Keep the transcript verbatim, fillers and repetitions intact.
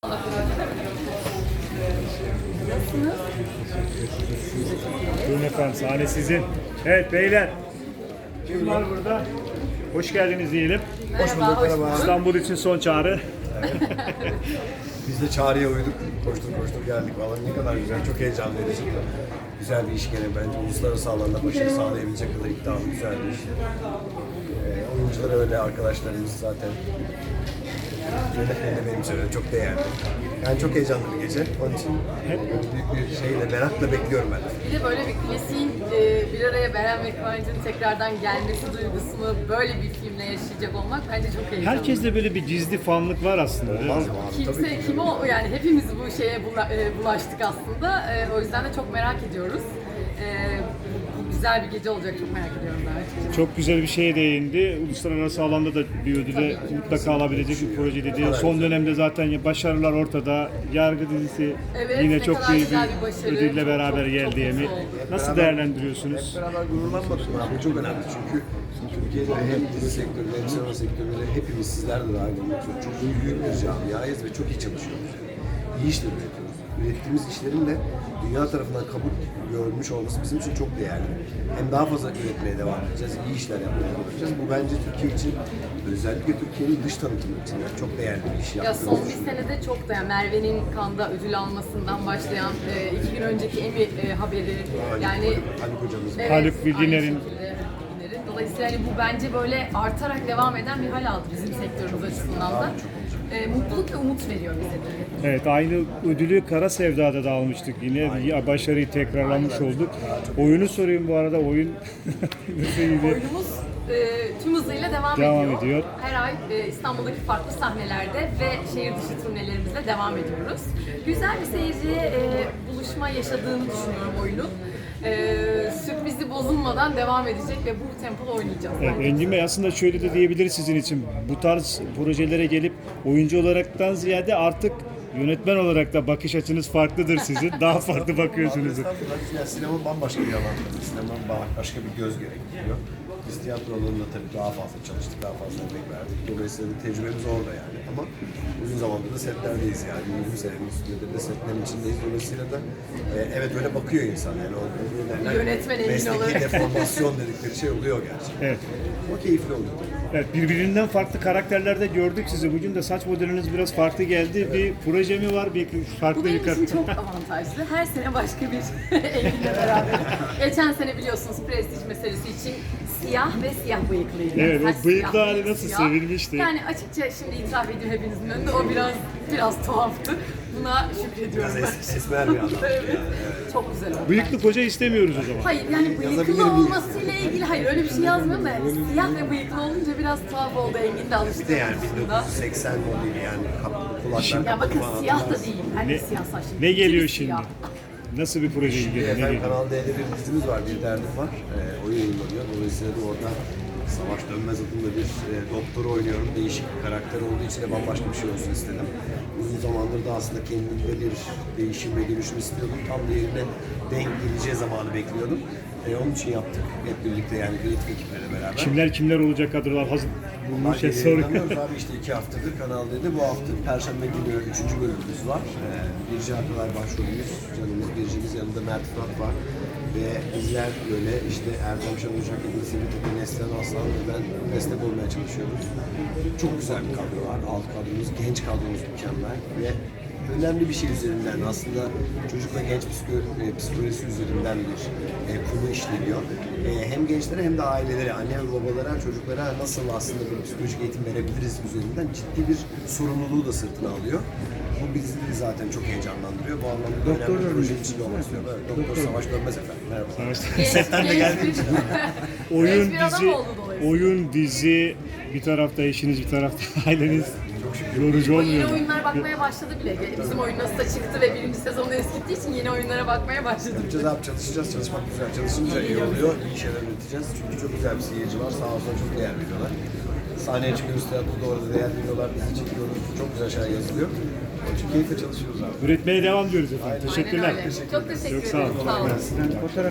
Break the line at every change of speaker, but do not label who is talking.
Nasılsınız?
Buyurun efendim, sahne sizin. Evet beyler, kim var burada? Hoş geldiniz diyelim.
Hoş bulduk, merhaba.
İstanbul için son çağrı.
Biz de çağrıya uyduk. Koştur koştur geldik. Vallahi ne kadar güzel, çok heyecan verici. Güzel bir iş gene bence. Uluslararası alanda başarı sağlayabilecek kadar iddialı, güzel bir iş. Ee, oyuncular öyle, arkadaşlarımız zaten. Yönetmen de benim için öyle, çok değerli. Yani çok heyecanlı bir gece. Onun için hep büyük bir şeyle, merakla bekliyorum ben.
Bir de böyle bir klasiğin e, bir araya Beren ve Kıvancı'nın tekrardan gelmesi duygusunu böyle bir filmle yaşayacak olmak bence çok heyecanlı.
Herkeste böyle bir gizli fanlık var aslında. Değil mi?
Olmaz mı abi? Tabii
Kimse
ki.
kim o yani hepimiz bu şeye bula, e, bulaştık aslında. E, o yüzden de çok merak ediyoruz. E, güzel bir gece olacak, çok merak ediyorum ben açıkçası.
Çok güzel bir şeye değindi. Uluslararası alanda da bir ödüle mutlaka alabilecek bir proje dedi. Son dönemde zaten başarılar ortada. Yargı dizisi
Evet,
yine
ne
çok
kadar
iyi
güzel
bir
bir başarı.
ödülle
Çok,
beraber
çok,
geldi
çok
Emi.
mutlu olduk.
Nasıl değerlendiriyorsunuz?
Hep beraber gururlanmadık mı? Bu çok önemli çünkü Türkiye'de hem dizi sektörü hem sinema sektörleri hepimiz sizler de dahil olmak üzere çok büyük bir camiayız ve çok iyi çalışıyoruz. İyi işler üretiyoruz. Ürettiğimiz işlerin de dünya tarafından kabul görmüş olması bizim için çok değerli. Hem daha fazla üretmeye devam edeceğiz, iyi işler yapmaya devam edeceğiz. Bu bence Türkiye için, özellikle Türkiye'nin dış tanıtımı için yani çok değerli bir iş
Ya
yaptığımızı
son bir
düşünüyorum.
senede çok da yani Merve'nin Kanda ödül almasından başlayan e, iki gün önceki Emmy e, haberi
Haluk-
yani
Haluk hocamız var.
Haluk
aynı
Bilginer'in-
şekilde Haluk Bilginer'in. Dolayısıyla hani bu bence böyle artarak devam eden bir hal aldı bizim sektörümüz açısından da. E, mutluluk ve umut veriyor bize de.
Evet, aynı ödülü Kara Sevda'da da almıştık yine. Bir başarıyı tekrarlamış olduk. Oyunu sorayım bu arada. Oyun nasıl iyiydi?
Oyunumuz e, tüm hızıyla devam,
Devam
ediyor.
ediyor.
Her ay e, İstanbul'daki farklı sahnelerde ve şehir dışı turnelerimizle devam ediyoruz. Güzel bir seyirciye e, buluşma yaşadığını düşünüyorum oyunun. E, sürprizi bozulmadan devam edecek ve bu tempoda oynayacağız.
Evet,
bence.
Engin Bey aslında şöyle de diyebiliriz sizin için. Bu tarz projelere gelip oyuncu olaraktan ziyade artık yönetmen olarak da bakış açınız farklıdır sizin. Daha farklı bakıyorsunuz.
Estağfurullah. Yani sinema bambaşka bir alan. Sinema başka bir göz gerektiriyor. Biz tiyatro alanında tabii daha fazla çalıştık, daha fazla emek verdik. Dolayısıyla bir tecrübemiz orada yani. Ama uzun zamandır da setlerdeyiz yani. yirmi senenin üstünde de setlerin içindeyiz. Dolayısıyla da e, evet öyle bakıyor insan yani. O, o derler,
Yönetmen emin
mesleki
olarak.
deformasyon dedikleri şey oluyor gerçekten.
Evet.
O keyifli oluyor.
Evet, birbirinden farklı karakterlerde gördük sizi. Bugün de saç modeliniz biraz farklı geldi. Bir proje mi var? Bir farklı
Bu
bir
benim için
karakter.
çok avantajlı. Her sene başka bir Engin'le beraber. Geçen sene biliyorsunuz prestij meselesi için siyah ve siyah bıyıklıydı.
Evet, o
Saç
bıyıklı
siyah,
hali
bıyık
nasıl
siyah.
sevilmişti.
Yani açıkça şimdi itiraf edeyim hepinizin önünde o biraz biraz tuhaftı. Buna şükrediyorum
Biraz
ben.
es, esmer bir adam.
Evet. Çok güzel oldu.
Bıyıklı koca istemiyoruz o zaman.
Hayır yani
Yazabilirim
bıyıklı
diye.
olmasıyla ilgili hayır öyle bir şey yazmıyorum da yani siyah ve bıyıklı olunca biraz tuhaf oldu Engin de alıştı.
Bir de yani bin
aslında.
dokuz yüz seksen modeli yani kap- kulaklar
Ya bakın
kapalı
siyah da
hatırlarsın.
değil. Ben de
Ne-
siyah saçlı.
Ne geliyor
İkisi
şimdi?
siyah.
Nasıl bir proje
Şimdi
geliyor? Ne
efendim
geliyor?
Kanal D'de bir dizimiz var, bir derdim var. Ee, o yayınlanıyor. Dolayısıyla da orada Savaş Dönmez adında bir e, doktor oynuyorum. Değişik bir karakter olduğu için de bambaşka bir şey olsun istedim. Uzun zamandır da aslında kendimde bir değişim ve dönüşüm istiyordum. Tam da yerine denk geleceği zamanı bekliyordum. E, onun için yaptık hep birlikte yani kreatif ekiple beraber.
Kimler kimler olacak kadrolar hazır bulmuş şey
Hadi
soruyor.
yayınlanıyoruz abi işte iki haftadır Kanal D'de. Bu hafta Perşembe günü üçüncü bölümümüz var. Ee, Birce Akılay başrolümüz, canımız Birce'miz, yanında Mert Fırat var. Ve bizler böyle işte Erdem Şan Ocak, İbn Sivri Tepe, Neslihan Aslan ve ben destek olmaya çalışıyoruz. Çok güzel bir kadro var. Alt kadromuz, genç kadromuz mükemmel ve önemli bir şey üzerinden aslında çocuk ve genç psiko, e, psikolojisi üzerinden bir e, konu işleniyor. E, hem gençlere hem de ailelere, anne ve babalara, çocuklara nasıl aslında bir psikolojik eğitim verebiliriz üzerinden ciddi bir sorumluluğu da sırtına alıyor. Bu bizi de zaten çok heyecanlandırıyor. Bu anlamda da önemli bir projenin içinde olmak istiyorum. Evet, Doktor Savaş Dönmez efendim. Merhaba. Setten de geldiğim için.
Oyun
Genç bir adam
dizi,
oldu dolayısıyla.
oyun dizi bir tarafta eşiniz bir tarafta aileniz yorucu
O yeni
olmuyor mu?
oyunlara bakmaya başladı bile. Bizim oyun nasıl da çıktı ve birinci sezonu eskittiği için yeni oyunlara bakmaya başladı.
Yapacağız abi, çalışacağız. Çalışmak güzel. Çalışınca iyi oluyor. İyi şeyler üreteceğiz. Çünkü çok güzel bir seyirci var. Sağ olsun çok değer veriyorlar. Sahneye çıkıyoruz, tiyatroda orada değer veriyorlar. Bizi çekiyoruz. Çok güzel şeyler yazılıyor. Onun için keyifle çalışıyoruz abi.
Üretmeye devam diyoruz efendim.
Aynen
Teşekkürler.
öyle. Çok teşekkür
Çok sağ olun.
ederim. Sağ olun.